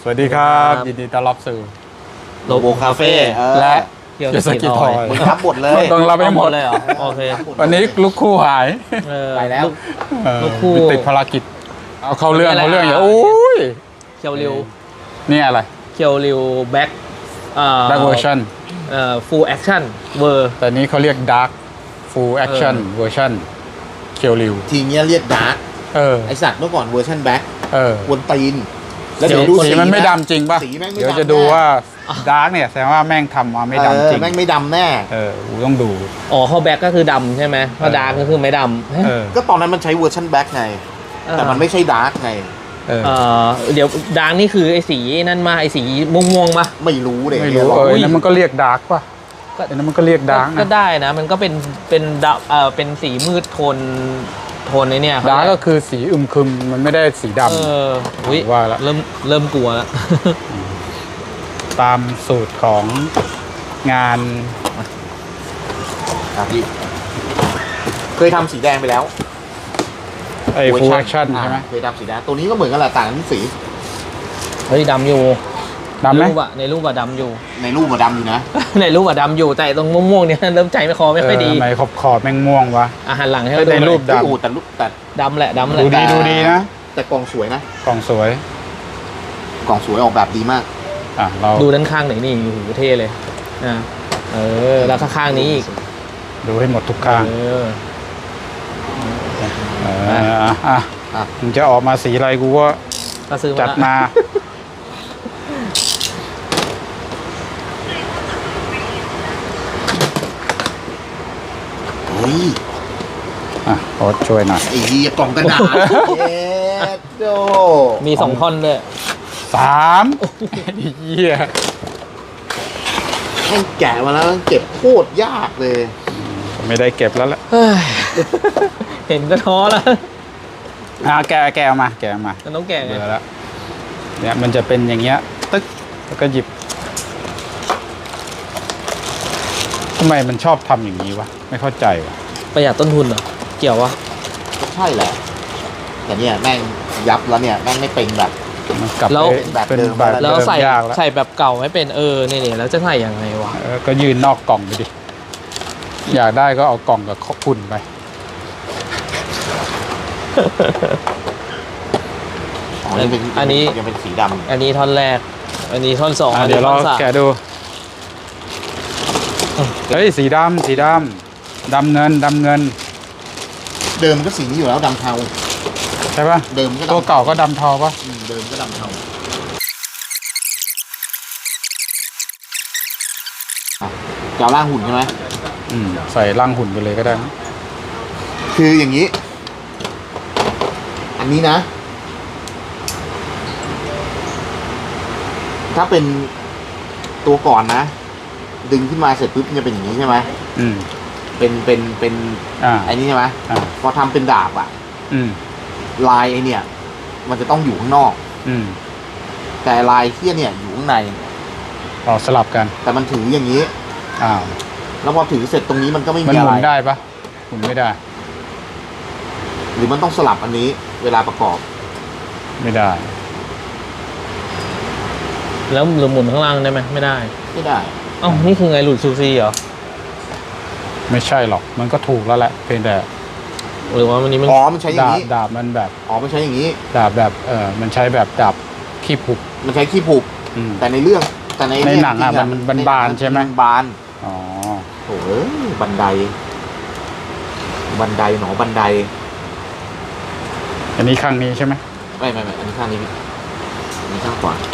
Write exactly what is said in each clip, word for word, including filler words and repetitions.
สวัสดีครับยินดีต้อนรับสู่โลโบคาเฟ่และเกี่ยวเกียร์สกิทอยมึงรับหมดเลยต้องรับให้หมดเลยเหรอโอเควันนี้ลูกคู่หายเออไปแล้วเออลูกคู่ติดภารกิจ เอาเข้าเรื่องไม่เข้าเป็นไรเรื่องอย่าอ่ะโอ้ยเคียวริวนี่อะไรเคียวริวแบ็คเอ่อ Dark Version เอ่อ full action เวอร์แต่นี้เขาเรียก Dark Full Action Version เคียวริวทีเนี้ยเรียกดาร์กเออไอสัตว์เมื่อก่อนเวอร์ชันแบ็คเออวนตีน แล้วเดี๋ยวดูสีมันไม่ะดำจริงป่ะสีแม่งไม่เดี๋ยวดำจะดูแน่ว่า Dark เนี่ยแสดงว่าแม่งทำมาไม่เอดำอจริงแม่งไม่ดำแน่เออกูต้องดูอ๋อเขาแบ็คก็คือดำใช่ไหมถ้าดาร์กก็คือไม่ดำเออก็ตอนนั้นมันใช้เวอร์ชันแบ็คไง แต่มันไม่ใช่ดาร์กไงเออเอ่อเดี๋ยวดาร์กนี่คือไอ้สีนั่นมาไอ้สีม่วงๆมาไม่รู้เลยไม่รู้เออนั่นมันก็เรียก Dark ป่ะก็อันนั้นมันก็เรียก Dark ก็นะได้นะ มันก็เป็นเป็นดำเอ่อเป็นสีมืดโทนโทนในเนี่ยดาร์กก็คือสีอึมครึมมันไม่ได้สีดเอออุ้ยว่าละเริ่มเริ่มกลัวแล้วำตามสูตรของงานครับพี่เคยทำสีแดงไปแล้วไอ้เวอ full ร์ action อ่าใช่ไหมเคยทำสีแดงตัวนี้ก็เหมือนกันแหละต่างกันที่สีเฮ้ยดำอยู่ดำไหมในรูปอะในรูปอะดำอยู่ในรูปมันดำอยู่นะในรูปอะดำอยู่แต่ตรงม่วงๆเนี่ยเริ่มใจไม่คอไม่ค่อยดีเทำไมขอบขอบแม่งม่วงวะอาหารหลังให้เออเราดูในหน่อยรูป ดำโอ้แต่รูปแต่ดำแหละดำแหละดูดีดูดีนะแต่กล่องสวยนะกล่องสวยกล่องสวยออกแบบดีมากอ่ะเราดูด้านข้างไหนอยนี่โอ้โหเท่เลยอ่ะเออแล้วข้างๆนี้อีกดูให้หมดทุกข้างเออเอออ่ะอ่ะอ่ะมึงจะออกมาสีอะไรกูก็ก็ซื้อมาจัดมาเฮ้ยอ่ะขอช่วยหน่อยไอ้เหี้ยกล่องกระดาษเย็ดโดมีสองท่อนด้วยสามเหี้ยให้แกะมาแล้วเก็บโคตรยากเลยไม่ได้เก็บแล้วแหละเฮ้ยเห็นก็ท้อแล้วอ่ะแกะแกะเอามาแกะเอามามันต้องแก่ไงเบื่อแล้วเนี่ยมันจะเป็นอย่างเงี้ยตึ๊กแล้วก็หยิบทำไมมันชอบทำอย่างนี้วะไม่เข้าใจวะประหยัดต้นทุนเหรอเกี่ยววะก็ใช่แหละ แต่เนี่ยแม่งยับแล้วเนี่ยแม่งไม่เป็นแบบมันกลับแล้วไปแบบเป็นเดิมแบบแล้วแล้วเดิมใส่ยากแล้วใส่แบบเก่าไม่เป็นเออเนี่ยเนี่ยแล้วจะใส่ยังไงวะเออก็ยืนนอกกล่องไปดิอยากได้ก็เอากล่องกับคุณไปอ๋อยังเป็นอันนี้ยังเป็นสีดำอันนี้ท่อนแรก อันนี้ท่อนสองอ่ะอันเดี๋นี้ยวท่เราอนสามแกะดูเฮ้ยสีดำสีดำดำเงินดำเงินเดิมก็สีนี้อยู่แล้วดำเทาใช่ปะเดิมก็ตัวดำเก่าก็ดำเทาปะอืมเดิมก็ดำเทาอ่ะจะเอาล่างหุ่นใช่ไหมอืมใส่ร่างหุ่นไปเลยก็ได้นะคืออย่างนี้ อันนี้นะ ถ้าเป็นตัวก่อนนะ ดึงขึ้นมาเสร็จปุ๊บมันจะเป็นอย่างนี้ใช่ไหมอืมเป็นเป็นเป็นอ่าไอ้นี่ใช่ไหมอ่าพอทำเป็นดาบอะอืมลายไอเนี่ย มันจะต้องอยู่ข้างนอกอืมแต่ลายเที่ยเนี่ยอยู่ข้างในเราสลับกันแต่มันถืออย่างนี้อ้าวแล้วพอถือเสร็จตรงนี้มันก็ไม่มันมีหอะมุไรนได้ปะหมุนไม่ได้หรือมันต้องสลับอันนี้ เวลาประกอบไม่ได้แล้วหรือหมุนข้างล่างได้ไหมไม่ได้ไม่ได้เอ้านี่คือไงหลุดซูซีเหรอไม่ใช่หรอกมันก็ถูกแล้วแหละเพียงแต่หรือว่าวันนี้มันอ๋อมันใช้อย่าดาง บนี้ดาบมันแบบอ๋อมันใช้อย่างนี้ดาบแบบเออมันใช้แบบดาบขี้ผุกมันใช้ขี้ผูกอืมแต่ในเรื่องแต่ในในหนังอะจริๆมันมันบานใช่ไหมบานอ๋อโอ้ยบันได บันไดหนอบันไดอันนี้ข้างนี้ใช่ไหมไม่ไม่ไม่อันนี้ข้างนี้อันนี้ข้างขวา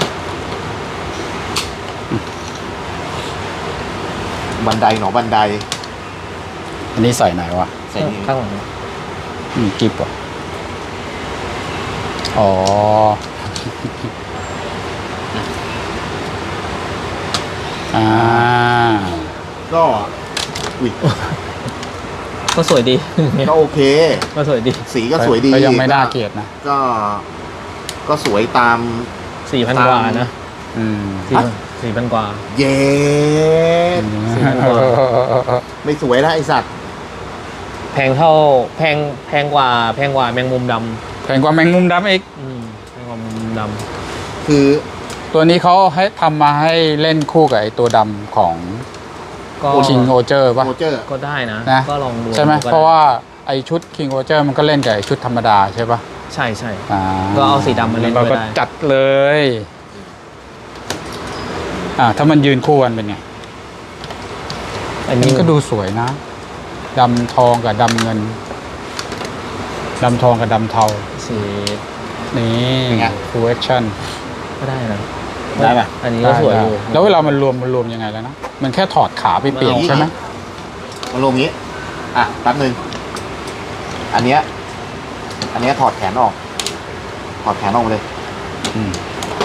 บันไดหนอบันไดอันนี้ใส่ไหนวะใส่นี่ข้างหลังอืมกิบวะอ๋อ อ่าก็อุ้ยก็สวยดีก็โอเคก็สวยดีสีก็สวยดีก็ยังไม่น่าเกลียดนะก็ ก็สวยตามสี่พันกว่านะอืมสี่พันสี่พันกว่าเย็ดสี่พันกว่าไม่สวยแล้วไอสัตว์แพงเท่าแพงแพงกว่าแพงกว่าแมงมุมดแพงกว่าแมงมุมดำอีกำอืมแพงกว่าแมงมุมดคือตัวนี้เขาให้ทำมาให้เล่นคู่กับไอตัวดำของก็คิงโอเจอร์ป่ะโรเจอร์ก็ได้นะนะก็ลองดูใช่ไหมก็ด้เพราะว่าไอชุดคิงโอเจอร์มันก็เล่นกับไอชุดธรรมดาใช่ป่ะใช่ใช่อ่าก็เอาสีดำมาเล่นเราก็ด้วยได้จัดเลยอ่าถ้ามันยืนคู่กันเป็นไงอันมันี้นก็ดูสวยนะดำทองกับดำเงินดำทองกับดำเทาสีนี่ฟูลแอคชั่นก็ได้นะได้ป่ะอันนี้ก็สวยอยู่แล้วเวลามันรวมมันรวมยังไงแล้วนะมันแค่ถอดขาไปเปลี่ยนใช่ไหมมาลงนี้ อ่ะแป๊บนึงอันเนี้ยอันเนี้ยถอดแขนออก ถอดแขนออกมาเลยอืม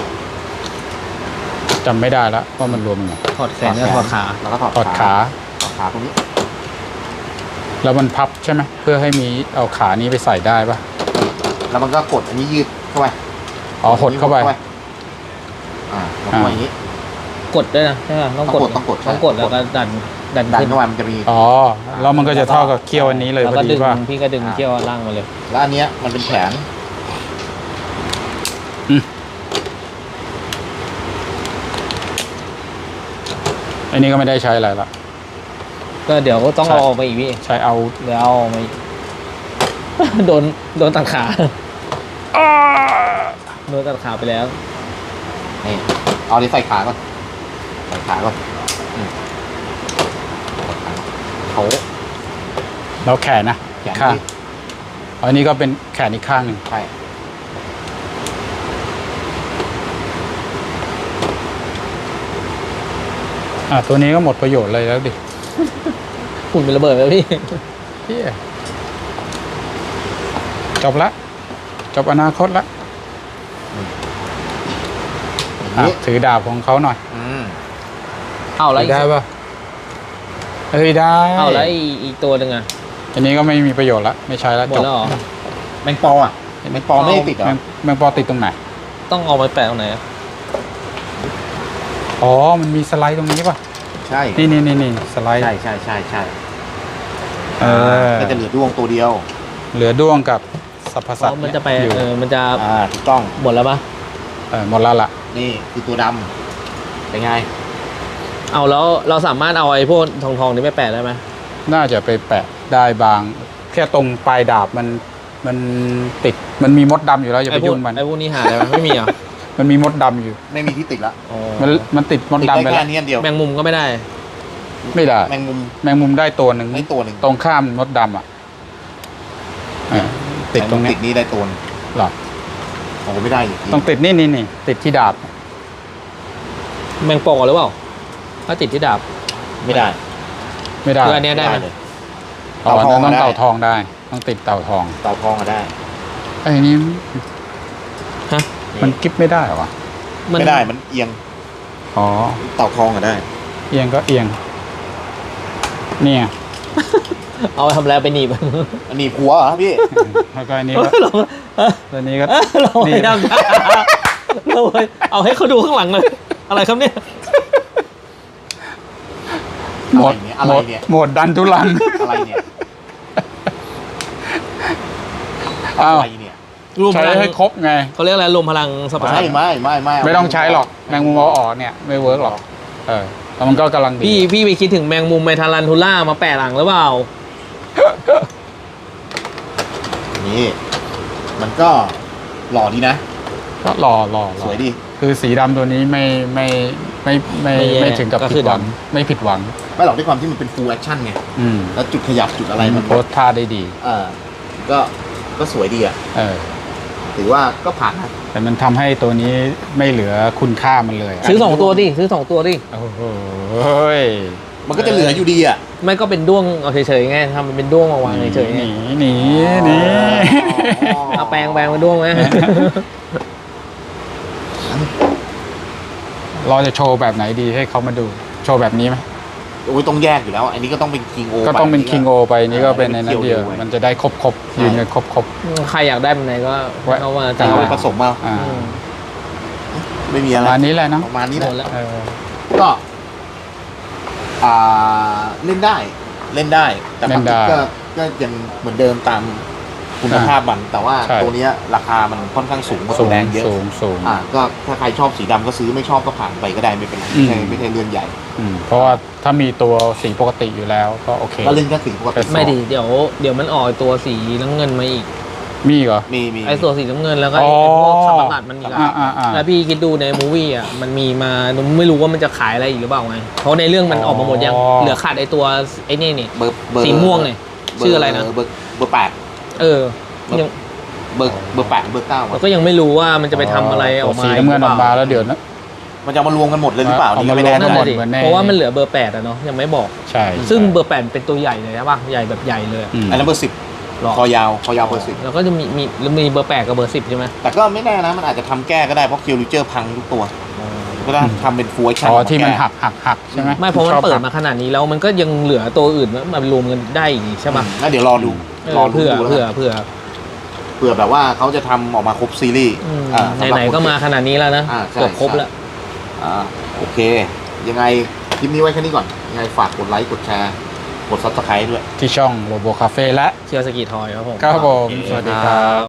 จำไม่ได้แล้วว่ามันรวมยังไงถอดแขนกับถอดขาแล้วก็ถอดถอดขาถอดขาตรงนี้แล้วมันพับใช่ไหมเพื่อให้มีเอาขานี้ไปใส่ได้ปะแล้วมันก็กดอันนี้ยืดเข้าไปอ๋อหดเข้าไปอ่าหดเข้าไปอย่างนี้กดด้วยนะใช่ป่ะต้องกดต้องกดต้องกดแล้วก็ดันดันดันขึ้นเข้ามามันจะมีอ๋อแล้วมันก็จะเท่ากับเคี้ยวอันนี้เลยแล้วพอก็ดีดึงป่ะพี่ก็ดึงเขี้ยวล่างมาเลยแล้วอันเนี้ยมันเป็นแขนอันนี้ก็ไม่ได้ใช้อะไรละก็เดี๋ยวก็ต้องใช่เอาออกไปอีกพี่ใช้เอาเดี๋ยวเอาออกมาอีก โดนโดนตัดขาโดนตัดขาไปแล้วนี่เอาดิใส่ขาก่อนใส่ขาก่อนอืมเขาแล้วแขนนะแขนข้างที่อันนี้ก็เป็นแขนอีกข้างหนึ่งใช่อ่ะตัวนี้ก็หมดประโยชน์เลยแล้วดิหุ่นเป็นระเบิดแล้วพี่เหี้ยจบละจบอนาคตละอย่างอ่ะนี้ถือดาบของเขาหน่อยอืมเอาแล้วถือได้ปะเอ้ยได้เอาแล้วอีกอีกตัวหนึ่งอ่ะอันนี้ก็ไม่มีประโยชน์ละไม่ใช้ละหมดจบแล้วเหรอแมงปออ่ะแมงปอไม่ได้ติดเหรอแมงแมงปอติดตรงไหนต้องเอาไปแปะตรงไหนอะอ๋อมันมีสไลด์ตรงนี้ป่ะใช่นี่นี่นี่นี่สไลด์ใช่ใช่ใช่ใช่เออก็จะเหลือดวงตัวเดียวเหลือด้วงกับสัพพเพสัตราะว์มันจะไปอยู่เออมันจะอ่าถูกต้องหมดแล้วปะเออหมดแล้วล่ะนี่คือตัวดำเป็นไงเอาแล้วเราสามารถเอาไอ้พวกทองทองๆนี้ไปแปะได้ไหมน่าจะไปแปะได้บาง แค่ตรงปลายดาบมันมันติดมันมีมดดำอยู่แล้วอย่าไอ้ไปพวกยุ่งมันไอ้พวกนี้หาได้ไหมไม่มีเหรอ่ะมันมีมดดำอยู่ไม่มีที่ติดละมันมันติดมดติดดำได้ไปแค่แล้วอันนี้อันเดียวแมงมุมก็ไม่ได้ไม่ได้แมงมุมแมงมุมได้ตัวหนึ่งได้ตัวหนึ่งตรงข้ามมดดำอ่ะเออติดตรงแมนี้มุมติดนี้ได้ตัวหนึ่งหรอโอ้ไม่ได้อีกทีต้องติดนี่นี่นี่ติดที่ดาบแมงปอหรือเปล่าถ้าติดที่ดาบไม่ได้ไม่ได้คืออันเนี้ยได้ไหมเลยอ๋อเต่าทองต้องได้เต่าทองได้ ต้องติดเต่าทองเต่าทองอะได้ไอ้นี่ฮะมันกิ๊บไม่ได้เหรอวะไม่ได้มันเอียงอ๋อเต่าทองอะได้เอียงก็เอียงเนี่ยเอาไปทำอะไรไปหนีบอันนี้หัวเหรอพี่แล้วก็อันนี้ก็เราตัวนี้ก็เรานี่ไม่ทำเราเอาให้เขาดูข้างหลังเลยอะไรครับเนี่ยหมดอะไรหมดเนี่ยหมดดันทุลังอะไรเนี่ยอ้าวอะไรเนี่ยรวมพใช้ลังให้ครบไงเขาเรียกอะไรรวมพลังสรรพสัตไม่ว์ไม่ไม่ไม่ไม่ต้องใช้หรอกแมงมุมเอาออกเนี่ย ไม่เวิร์กหรอกเออแล้วมันก็กำลังดีพี่พี่ไปคิดถึงแมงมุมไมทารันทูล่ามาแปะหลังหรือเปล่านี่ มันก็หล่อดีนะก็รอรอรอสวยดีคือสีดำตัวนี้ไม่ไม่ไม่ไม่ไม่แย่ไม่ถึงกับก็ผิคืดอหวังดไม่ผิดหวังไม่หรอกด้วยความที่มันเป็น full action ไงอืมแล้วจุดขยับจุดอะไรมัมัน นโพสท่าได้ดีเออก็ก็สวยดีอ่ะเออถือว่าก็ผ่านนะแต่มันทำให้ตัวนี้ไม่เหลือคุณค่ามันเลยะซื้อสองตัวดิซื้อสองตัวดิโอ้โหเฮ้ยมันก็จะเหลืออยู่ดีอ่ะไม่ก็เป็นด้วงเอาเฉยๆไงทำมันเป็นด้วงมาวางเฉยๆหไงนีหนีหนีอ๋อเอาแปลงแปลงเป็นด้วงไหมเราจะโชว์แบบไหนดีให้เขามาดู โชว์แบบนี้ไหมโอ้ยต้องแยกอยู่แล้ว อันนี้ก็ต้องเป็นคิงโอก็ต้องเป็นคิงโอไปนี่ก็เป็นในนั้นเดียวไว้มันจะได้ครบครบๆยืนกันครบครบใครอยากได้แบบไหนก็ไว้เอามาแต่จัดเอาไปไปผสมมาๆอ่าอืมไม่มีปอะไรระมาณนี้แหละเนาะประมาณนี้แหหมดแล้ละวเออก็อ่าเล่นได้ เล่นได้ แต่ความจริงก็ก็ยังเหมือนเดิมตามคุณภาพมันแต่ว่าใช่ตัวเนี้ยราคามันค่อนข้างสูงกว่าสูตัวงแดงเยอะสูงสูงอ่าก็ถ้าใครชอบสีดำก็ซื้อไม่ชอบก็ผ่านไปก็ได้ไม่เป็นไรอืไม่มใช่ไม่ใช่เรื่องใหญ่อืมเพราะว่าถ้ามีตัวสีปกติอยู่แล้วก็โอเคก็เล่นแค่สีปกติไม่ดีเดี๋ยวเดี๋ยวมันออกตัวสีน้ำเงินมาอีกมีเหรอมีมีไอ้ตัวสีน้ำเงินแล้วก็อ๋อไอ้พวกขับอากาศมันอีกอ่าอะอ่าอ่าแล้วพี่คิดดูในมูวี่อ่ะมันมีมาไม่รู้ว่ามันจะขายอะไรอีกหรือเปล่าไงเพราะในเรื่องมันออกมาหมดยังอ๋อเหลือขาดไอ้ตัวไอ้นี่นี่เบอร์เบอร์สีม่วงเนี่ยชื่ออะไรนะเบอร์เบอร์แปดเออเบอร์ยังเบอร์เบอร์แปดเบอร์เก้าเราก็ยังไม่รู้ว่ามันจะไปทำอะไรออกมาสีน้ำเงินออกมาแล้วเดี๋ยวนะมันจะมารวมกันหมดเลยหรือเปล่าเอานี่มาก็ไม่แน่รวมกันั่นนหมแหดละดิเหมือนในเพราะว่ามันเหลือเบอร์แปดอะเนาะยังไม่บอกใช่ซึ่งใช่เบอร์แปดเป็นตัวใหญ่เลยใช่ป่ะใหญ่แบบใหญ่เลยอะอืมอันนั้นเบอร์สิบหรอคอยาวคอยาวเบอร์สิบแล้วก็จะมีมีแล้วมีเบอร์แปดกับเบอร์สิบใช่ไหมแต่ก็ไม่แน่นะมันอาจจะทำแก้ก็ได้เพราะคิวริเจอร์พังทุกตัวก็ต้องทำเป็นฟูลชั่นอ๋อที่มันหักหักหักใช่ไหมไม่เพราะมันชอบเปิดหักมาขนาดนี้แล้วมันก็ยังเหลือตัวอื่นมารวมกันได้อีกใช่ป่ะแล้วเดี๋ยวรอดูเออรอดูเผื่อดูแล้วเผื่อกันเผื่อเผื่อแบบว่าเขาจะทำออกมาครบซีรีส์อืมอ่าสำรับไหนๆก็มาขนาดนี้แล้วนะอ่าใช่เกือบครบใช่แล้วอ่าโอเค ยังไงคลิปนี้ไว้แค่นี้ก่อนยังไงฝากกดไลค์กดแชร์กดซับสไครต์ด้วยที่ช่องโลโบคาเฟ่และเชียร์สกีทอยครับผมครับผมโอเคสวัสดีครับ